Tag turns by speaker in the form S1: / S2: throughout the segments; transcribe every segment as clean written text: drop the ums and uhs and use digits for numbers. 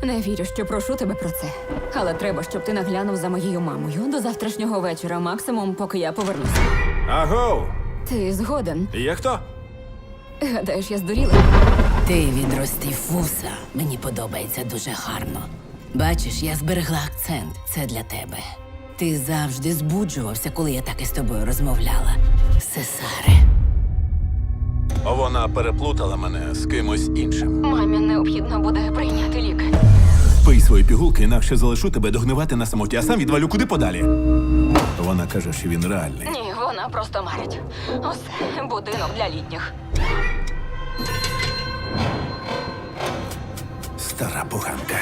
S1: Не вірю, що прошу тебе про це. Але треба, щоб ти наглянув за моєю мамою до завтрашнього вечора, максимум, поки я повернуся.
S2: Агоу!
S1: Ти згоден?
S2: Є хто?
S1: Гадаєш, я здуріла?
S3: Ти відростив вуса. Мені подобається дуже гарно. Бачиш, я зберегла акцент. Це для тебе. Ти завжди збуджувався, коли я так із тобою розмовляла. Сесаре.
S2: Вона переплутала мене з кимось іншим.
S1: Мамі необхідно буде прийняти ліки.
S2: Пий свої пігулки, інакше залишу тебе догнивати на самоті, а сам відвалю куди подалі. Вона каже, що він реальний.
S1: Ні, вона просто марить. Усе, будинок для літніх.
S2: Стара поганка.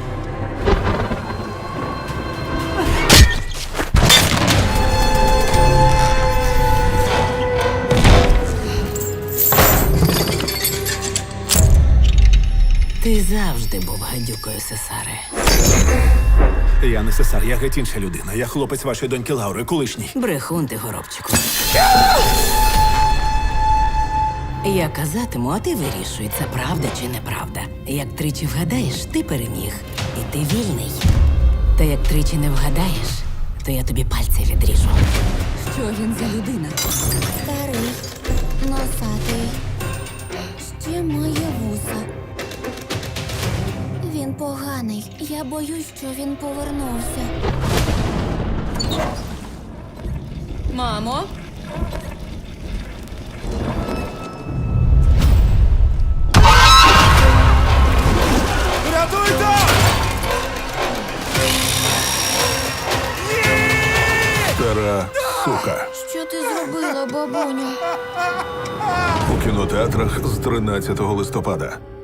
S3: Ти завжди був гадюкою, Сесаре.
S2: Я не Сесар, я геть інша людина. Я хлопець вашої доньки Лаури, колишній.
S3: Брехун ти, горобчику. Я казатиму, а ти вирішуй, це правда чи неправда. Як тричі вгадаєш, ти переміг. І ти вільний. Та як тричі не вгадаєш, то я тобі пальці відріжу.
S1: Що він за людина?
S4: Старий, носатий, ще має вуса. Він поганий. Я боюсь, що він повернувся.
S1: Мамо?
S2: Рятуйте! Стара сука.
S4: Що ти зробила, бабуню?
S5: У кінотеатрах з 13 листопада.